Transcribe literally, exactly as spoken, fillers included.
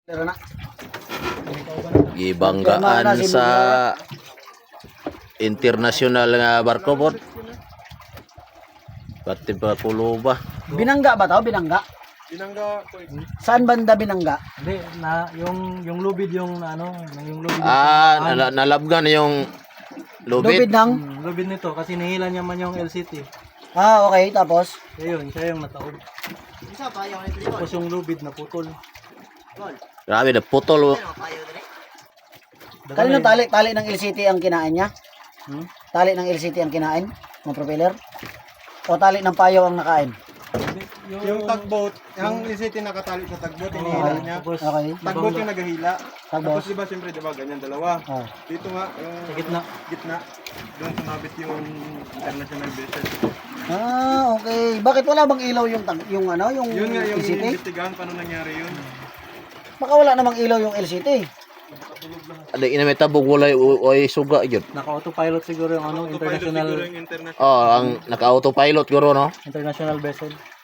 Gibanggaan sa international nga barko po. Pati pa Kuluba. Binangga ba 'to? Binangga? Binangga ko. Saan banda binangga? Hindi, na, yung, yung lubid yung ano, yung lubid. Ah, nala, nalabgan yung Lubid lubid. ng? yung lubid nito, kasi nihila niya man yung L C T. Ah, okay. Tapos? Kaya yun, siya yung nataog. Tapos yung lubid na putol. Grabe na putol. Kanino tali? Tali ng L C T ang kinain niya? Hmm? Tali ng L C T ang kinain? Ng propeller? O tali ng payo ang nakain? Yung tugboat, yung isiti nakatali sa tugboat, hinihila niya. Tapos, Okay. Tugboat yung naghahila. Tugboat. Tapos diba siyempre diba ganyan dalawa. Oh. Dito nga yung sa gitna. gitna. Doon sumabit yung international vessel. Ah, okay. Bakit wala bang ilaw yung tag yung ano, yung Yun nga yung L C T? investigahan paano nangyari yun. Baka wala namang ilaw yung L C T. Ada ina may tabog walay oy suga gyud. Naka-autopilot siguro yung ano, Autopilot international siguro yung international. Oh, ang naka-autopilot guro no. international vessel.